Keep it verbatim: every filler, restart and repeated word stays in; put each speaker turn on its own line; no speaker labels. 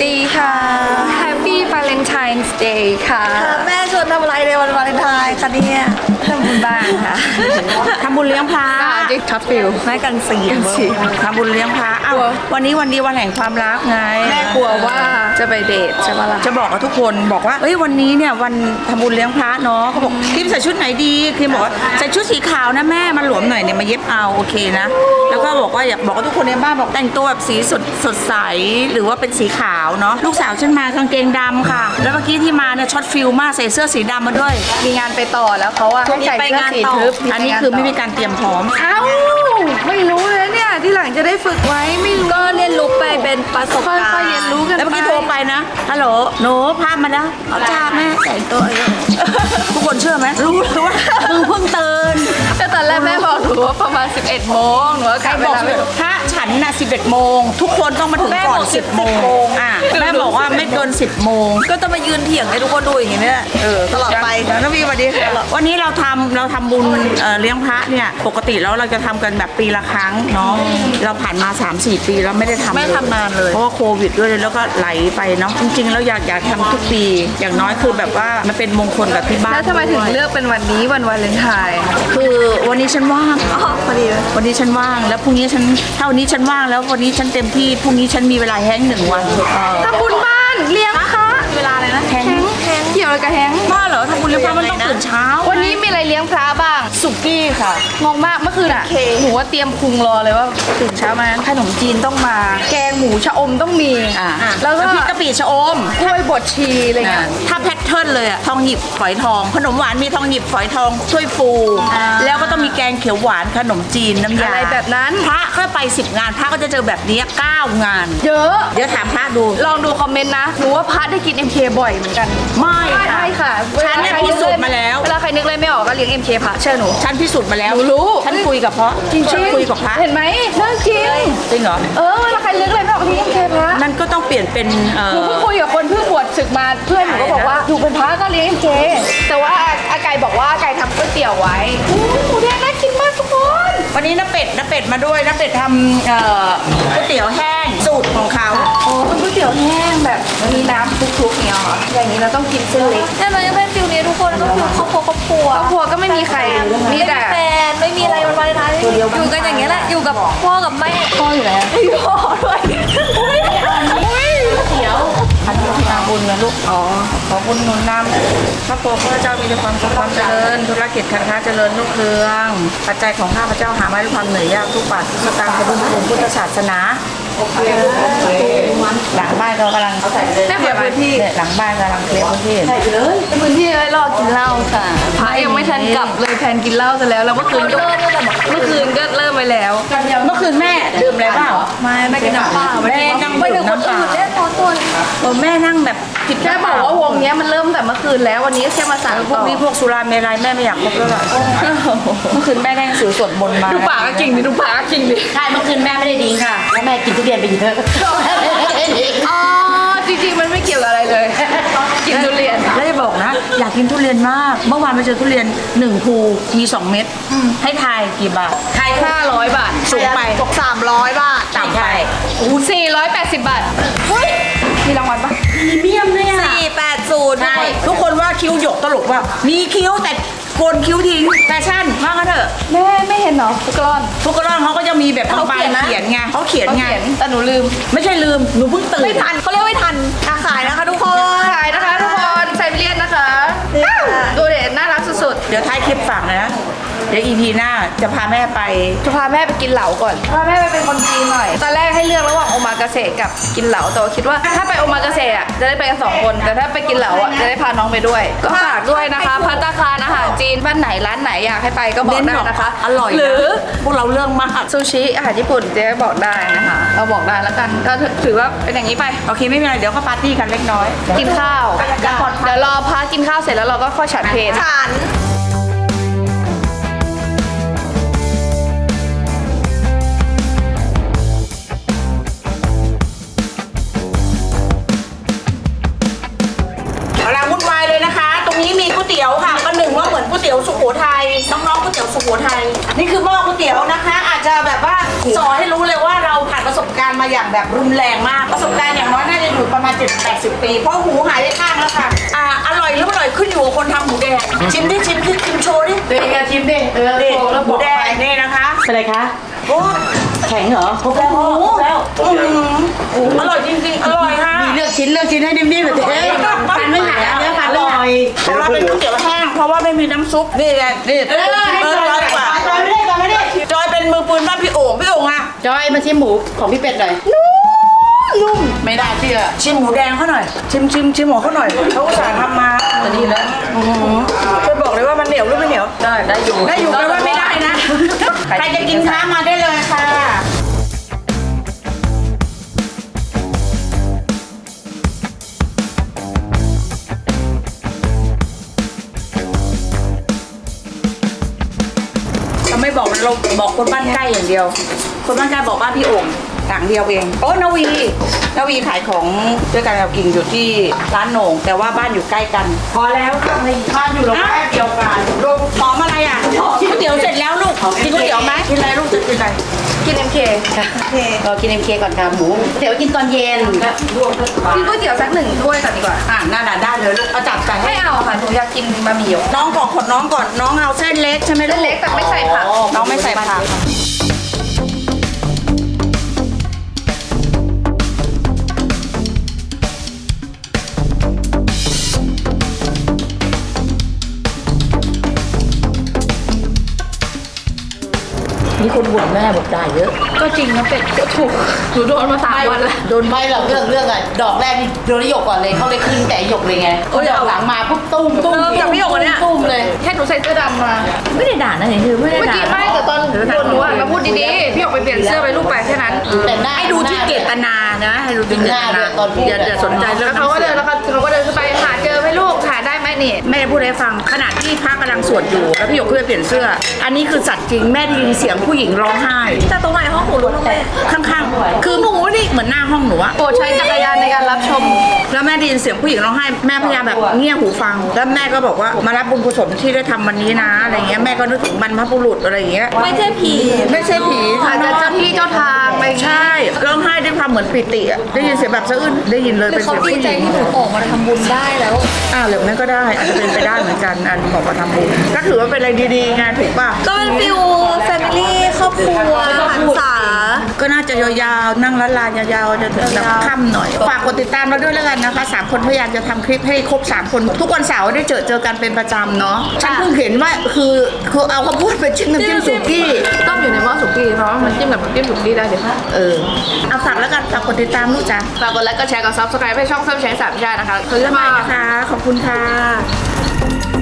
ดีค่ะ Happy Valentine's Day ค่ะ
แม่ชวนทำอะไรในวันวาเลนไทน์คะเนี่ย
ทำบุญบ้านค่ะ
ทำบุญเลี้ยงพระ
จิ๊กช็อตฟิล
แม่กันสีทำบุญเลี้ยงพระอ้าววันนี้วันดีวันแห่งความรักไง
แม่กลัวว่าจะไปเดทใช่ปะล่ะ
จะบอกกับทุกคนบอกว่าเอ้ยวันนี้เนี่ยวันทำบุญเลี้ยงพระเนาะเขาบอกคิมใส่ชุดไหนดีคิมบอกว่าใส่ชุดสีขาวนะแม่มันหลวมหน่อยเนี่ยมาเย็บเอาโอเคนะแล้วก็บอกว่าอยากบอกกับทุกคนในบ้านบอกแต่งตัวแบบสีสดสดใสหรือว่าเป็นสีขาวเนาะลูกสาวฉันมากางเกงดำค่ะแล้วเมื่อกี้ที่มาเนี่ยช็อตฟิลมากใส่เสื้อสีดำมาด้วย
มีงานไปต่อแล้วเขาอะให้ใส่เสื้อสีทึบ
อันนี้คือไม่มีการเตรียมพร้อม
เอ้าไม่รู้เลยเนี่ยที่หลังจะได้ฝึกไว้ไม่รู้ก็เรียนรู้ไปเป็นประสบการณ์ค่อยๆเรียนรู้กัน
แล้วเมื่อกี้โทรไปนะฮัลโหลหนูพามาแล้วเอาจ้าแม่แต่งตัวเองทุกคนเชื่อไหมรู้หรือว่ามึงเพิ่งตื่น
แต่ตอนแรกแม่บอกหนูว่าประมาณสิบเอ็ดโมงหนูก็
ใคร
กะเว
บอก
ลาไม่ถูก
ถ้าฉันน่ะสิบเอ็ดโมงทุกคนต้องมาถึงก่อนสิบโมงอ่ะแม่บอกว่าไม่เกินสิบโมงก็ต้องมายืนเถียงให้ทุกคนดูอย่างนี้เนี่ยเออตลอดไปนะพี่สวัสดีวันนี้เราทำเราทำบุญเอ่อเลี้ยงพระเนี่ยปกติแล้วเราจะทำกันแบบปีละครั้งเนาะเราผ่านมา สามสี่ ปีแล้วไม่ได้ทำ
ไม่ทำนานเลย
เพราะว่าโควิดด้วยแล้วก็ไหลไปเนาะจริงๆแล้วอยากอยากทำทุกปีอย่างน้อยคือแบบว่ามันเป็นมงคลกับที่บ้าน
แล้วทำไมถึงเลือกเป็นวันนี้วันวาเลนไทน์
คือวันนี้ฉันว่างอ๋อพอดีวันนี้ฉันว่างแล้วพรุ่งนี้ฉันถ้าวันนี้ฉันว่างแล้ววันนี้ฉันเต็มที่พรุ่งนี้ฉันมีเวลาแห้งหนึ่งวันเออ
ทำบุญบ้านเลี้ยงพระ
เวลาอะไรนะแห้ง
แฮงเกี่ยวอะไรกับแฮง
บ้าเหรอทำบุญเลี้ยงพระมันต้องตื่นเช้า
วันนี้มีอะไรเลี้ยงพระบ้าง
สุกี้ค่ะ
งงมากเมื่อคืนอ่ะหนูว่าเตรียมพุงรอเลยว่าตื่นเช้ามาขนมจีนต้องมา แกงหมูชะอมต้องมี
อ่า
แล้วก็
น้ำพริกกะปิชะอม
กล้วยบดชีอะไรเงี้ย
ถ้าแพทเทิร์นเลยอะทองหยิบฝอยทอง ขนมหวานมีทองหยิบฝอยทองถ้วยฟู
อ่า
แล้วก็ต้องมีแกงเขียวหวานขนมจีนน้ำยา
อะไรแบบนั้น
พระก็ไปสิบงานพระก็จะเจอแบบนี้เก้างาน
เยอะ
เดี๋ยวถามพระดู
ลองดูคอมเมนต์นะหนูว่าพระได้กิน เอ็ม เค บ่อยเหมือนกัน
ไม่
ใช่ค่ะ
ฉันเนี่ยพิสูจน์มาแล้ว
เวลาใครนึกเลยไม่ออกก็เลี้ยง เอ็ม เค พระเชื่อหนู
ฉันพิสูจน์มาแล้ว
หนูรู้
ฉันคุยกับพระ
จริง
ฉัน
ๆ
คุยกับพระ
เห็นไหมเรื่องจริง
จริงเหรอ
เออเวลาใครนึกเลยไม่ออกก็เลี้ยง เอ็ม เค พระ
นั่นก็ต้องเปลี่ยนเป็นเอ่
หนู
อ
เพิ่งคุยกับคนเพิ่งบวชศึกมาเพื่อนหนูก็บอกว่าอยู่เป็นพระก็เลี้ยงเจแต่ว่าอาไก่บอกว่าอาไก่ทำก๋วยเตี๋ยวไว้อู้หมูแดงน่ากินมากทุกคน
วันนี้น้าเป็ดน้าเป็ดมาด้วยน้าเป็ดทำเอ่อก๋วยเตี๋ยวแห้งสูตรของเขา
โอ้เป็นก๋วยเตี๋ยวแห้งแบบมีน้ำคลุกๆเนี่ยเหรออย่างนี้เราต้องกินเส้นเล็ก
แต่มันยังเป็นฟิลนี้ทุกคนก็คือครอบครัวครอบครัว
ครอบครัวก็ไม่มีใครมีแต่
แฟนไม่มีอะไรวันวาเลนไทน์อยู่กันอย่างเงี้ยแหละอยู่กับพ่อกับแม่
พ่ออยู่แล้ว
อยู่พ่อด้วย
เดี๋ยวพันธุทางบุญนะลูก อ๋อ ขอบุญหนุนนำพระโพธิ์พระเจ้ามีแต่ความสุขความเจริญ ธุรกิจการค้าเจริญรุ่งเรือง ปัจจัยของข้าพเจ้าหาไม่ด้วยความเหนื่อยยากทุกบาททุกสตางค์ขอบุญคุณพุทธศาสนาหลังบ้านเรากำลังเคลียร์พื้นที่เนี่ยหลังบ้านกำลังเคลียร์พื้นที่
เป็นพื้นที่ไว้รอกินเหล้าค่ะพระยังไม่ทันกลับเลยแทนกินเหล้าซะแล้วแล้วเมื่อคืนก็เมื่อคืนก็เริ่มไปแล้ว
เมื่อคืนแม่ดื่มอะไรเปล่า
ไม่ไม่กินน้ำเปล่า
แม่นั่ง
ไป
ดื่
ถึ
ม
งคน
น้ำเป
อื่
ล่าน
เล่นพอตัว
เออแม่นั่งแบบผิด
แค่บอกว่าวงเนี้ยมันเริ่มแต่เมื่อคืนแล้ววันนี้แค่มาสั่ง
พว
ต่
ก
อ
นี้พวกสุราเมรัยแม่ไม่อยากคบแล้วล่ะเมื่อคืนแม่ได้หนังสือสวดมนต์มา
ดูปากก็จริงดิดูปากก็จริงดิ
ใช่เมื่อคืนแม่ไม่ได้ดิ้งค่ะแล้วแม่กินทุเรียนไปอีกเถอะ
อ๋อจริงๆมันไม่เกี่ยวกับอะไรเลย กินทุเรียน
แล้วจะบอกนะ อยากกินทุเรียนมาก เมื่อวานไปเจอทุเรียนหนึ่งภูมีสองเม็ดให้ทายกี่บาททาย
ห้าร้อยบาท
สูงไป
ตกสามร้อยบาท
ต่ำไป
สี่ร้อยแปดสิบบาทเฮ้ยมีรางวัลปะ
พรีเมียมเลยอ่ะ
สี่แปดศูนย์
ใช่ทุกคนว่าคิ้วหยกตลกว่า มีคิ้วแต่โกนคิ้วทิ้งแฟชั่นว่ากันเถอะ
แม่ไม่เห็นเหรอฟุกกรอน
ทุกกระรอนเขาก็จะมีแบบ
เขา
บาง
เขียน
ๆ
นะ
เขียนไงเขาเขียน
เขา
ไง
เขียนแต่หนูลืม
ไม่ใช่ลืมหนูเพิ่งตื่น
ไม่ทันเขาเรียกไม่ทันอาขายนะคะทุกคน
ขายนะคะทุกคนไซบีเรียนนะคะ
นี่ค่ะ
ดูเด็ดน่ารักสุด
เดี๋ยวท้ายคลิปฝากนะเดี๋ยวอีพีหน้าจะพาแม่ไป
ๆจะพาแม่ไปกินเหลาก่อนพาแม่ไปเป็นคนจีนหน่อยตอนแรกให้เลือกระหว่างโอมากาเสะกับกินเหลาแต่ว่าคิดว่าถ้าไปโอมากาเสะอ่ะจะได้ไปกันสองคนแต่ถ้าไปกินเหลาอ่ะจะได้พาน้องไปด้วย ก็ฝากด้วยนะคะภัตตาคารอาหารจีนบ้านไหนร้านไหนอยากให้ไปก็บอกได้นะคะ
อร่อย
หรือ
พวกเราเรื่องมาก
ซูชิอาหารญี่ปุ่นเจ๊บอกได้นะคะ เราบอกได้แล้วกันก็ถือว่าเป็นอย่างนี้ไป
โอเคไม่เป็นไรเดี๋ยวก็ปาร์ตี้กันเล็กน้อย
กินข้าว เดี๋ยวรอพากินข้าวเสร็จแล้วเราก็ค่อยฉันเพล
ฉัน
กำลังวุ่นวายเลยนะคะ ตรงนี้มีก๋วยเตี๋ยวค่ะประหนึ่งว่าเหมือนก๋วยเตี๋ยวสุโขทัยน้องๆก๋วยเตี๋ยวสุโขใครนี่คือหม้อก๋วยเตี๋ยวนะคะ อาจจะแบบว่าสอนให้รู้เลยว่าเราผ่านประสบการณ์มาอย่างแบบรุนแรงมากประสบการณ์อย่างน้อยน่าจะอยู่ประมาณเจ็ดแปดสิบปีเพราะหูหายไปข้างแล้วค่ะอ่าอร่อยหรือไม่อร่อยขึ้นอยู่กับคนทำหมูแดงชิมดิชิมดิชิมโชว์ดิ
เดี๋ยวชิมดิเออ
นี่
โชว์แล้ว
ห
บ
มู
อก
แด
ไป
งนี่นะคะ
เป็นไรคะ
โอ้แข็งเหรอครบแล้วครบแล้ว
อื้อหือ
อร่อยจริงๆอร่อยค่ะ
มีเลือกชิ้นเลือกชิ้นให้นิ่มๆแบบเจ๊ฟันไม่หักเนื้อฟัน
อ
ไม่
ร่
หั
อก ยของเราเป็นก๋วยเตี๋ยวแห้งเพราะว่าไม่มีน้ำซุปนี่ไงนี่
เออให้
เอ
จ
อ
อย
ร้อยกว่า
จอยไม่ได้จอยไม่ได้
จอยเป็นมือปืนบ้านพี่โอ่งพี่โอ่งอะ
จอยมาชิมหมูของพี่เป็ดหน่อย
นุ่มไม่ได้เชื่อชิมหมูแดงเขาหน่อย ชิมชิมชิมหมูเขาหน่อยเขาอุตส่าห์ทำมาจะดีแล้วช่วยบอกเลยว่ามันเหนียวหรือไม่เหนียว
ได้ได้อยู่
ได้อยู่แปลว่าไม่ได้นะ ใครจะกินค้ามาได้เลยค่ะเราไม่บอกเราบอกคนบ้านใกล้อย่างเดียว คนบ้านใกล้บอกบ้านพี่โอ่งต่างเดียวเองโอ้นาวีนาวีขายของด้วยกันเรากินอยู่ที่ร้านโหน่งแต่ว่าบ้านอยู่ใกล้กัน พอแล้วค่ะบ้านอยู่โรงแรมเดียวกันลงหอมอะไรอ่ะก๋วยเตี๋ยวเสร็จแล้วลูกกินก๋วยเตี๋ยวไหมกินอะไรลูกจะกินอะไร
กิน เอ็ม เค
เรากินเอ็มเคก่อนค่ะหมูเดี๋ยวกินตอนเย็น
กินก๋วยเตี๋ยวสักหนึ่งถ้วยก่อนดีกว่า
อ่ะน่าด่าได้เลยลูกเอาจัดใส่ให้
ไม่เอาค่ะหนูอยากกินบะหมี่หยก
น้องก่อนขอน้องก่อนน้องเอาเส้นเล็กใช่ไหม
เส้นเล็กแต่ไม่ใส่ผัก
น้องไม่ใส่ผักมีคนบ่นแม่บอกได้เยอะ
ก็จริงนะเป็ดก็ถูกหนูโดนมาสามวันแล้ว
โดนไม่หรอกเรื่องเรื่องอะดอกแรกนี่โดนหยกก่อนเลยเขาเลยขึ้นแต่หยกเลยไงดอกหลังมาปุ๊บตุ้มตุ้ม
เออจากพี่หยกอันเนี้ย
ตุ้มเลย
แค่หนูใส่เสื้อดำมา
ไม่ได้ด่านะเห็นคือไม่ได้
เมื่อ
ด่า
กี้ไม่แต่ตอนโดนหนูอ่ะมาพูดดีๆ พี่หยกไปเปลี่ยนเสื้อไปลูกไปแค่นั้น
แต่หน้า
ให้ดูที่เจตนานะให้ดูที่เจตนาอย่าอย่าสนใจเรื่
แล้
อง
วเขาก็เดินแล้วเขาเขาก็เดินขึ้นไปหาเจอไหมลูกหาได้ไหมนี่
แม่พูดให้ฟังขณะที่พระกำลังสวดอยู่แล้วพี่หยกเพื่อเปลี่ยนเสื้อ อันนี้คือสัตว์จริงแม่ได้ยินเสียงผู้หญิงร้องไห้
แต่ตรงไหนห้องหนูรู้ตรงไหน
ข้างๆ คือหนูนี่เหมือนหน้าห้องหนูอะ
โปรดใช้จักรยานในการรับชม
แล้วแม่ได้ยินเสียงผู้หญิงร้องไห้แม่พยายามแบบเงี่ยหูฟัง แล้วแม่ก็บอกว่ามารับบุญกุศลที่ได้ทำวันนี้นะอะไรเงี้ยแม่ก็นึกถึงบรรพบุรุษอะไรอย่างเงี้ย
ไม่ใช่ผี
ไม่ใช่ผี
อาจจะเจ้าที่เจ้าทางไป
ใช่ร้องไห้ด้วยความเหมือนปิติอะได้ยินเสียงแบบสะอื้นได้ยินเลย
หรือ
เป็น
เขา
เสียง
ดี
ผู้ห
ใจ
ญิง
ที่หนูออกมาทำบุญได้แล้ว
อ้าวหรือแม่ก็ได้อาจจะเป็นไปได้เหมือนกันอันบอกมาทำบุญก็ถือว่าเป็นอะไรดีๆไงถูกป่ะ
ก็เป็นฟิวแฟมิลี่ครอบครัวหันษา
ก็น่าจะยาวๆนั่งร้านลานยาวๆจะถึงแบบค่ำหน่อยฝากกดติดตามเราด้วยแล้วกันนะคะสามคนพยายามจะทำคลิปให้ครบสามคนทุกวันเสาร์ได้เจอเจอกันเป็นประจำเนาะฉันเพิ่งเห็นว่าคือคือเอาข้าวโพดไปจิ้มน้ำจิ้มสุกี้
ต้องอยู่ในหม้อสุกี้เพราะว่ามันจิ้มกับน้ำจิ้มสุกี้ได้เดี๋ยว
เออเอาฝากแล้วกันฝากกดติดตามลูกจ้ะ
ฝากกดไลค์กดแชร์กดซับสไครป์ให้ช่องเซิร์ฟแชร์สามชาตินะคะคือ
บ๊ายบา
มา
ยนะคะขอบคุณค่ะ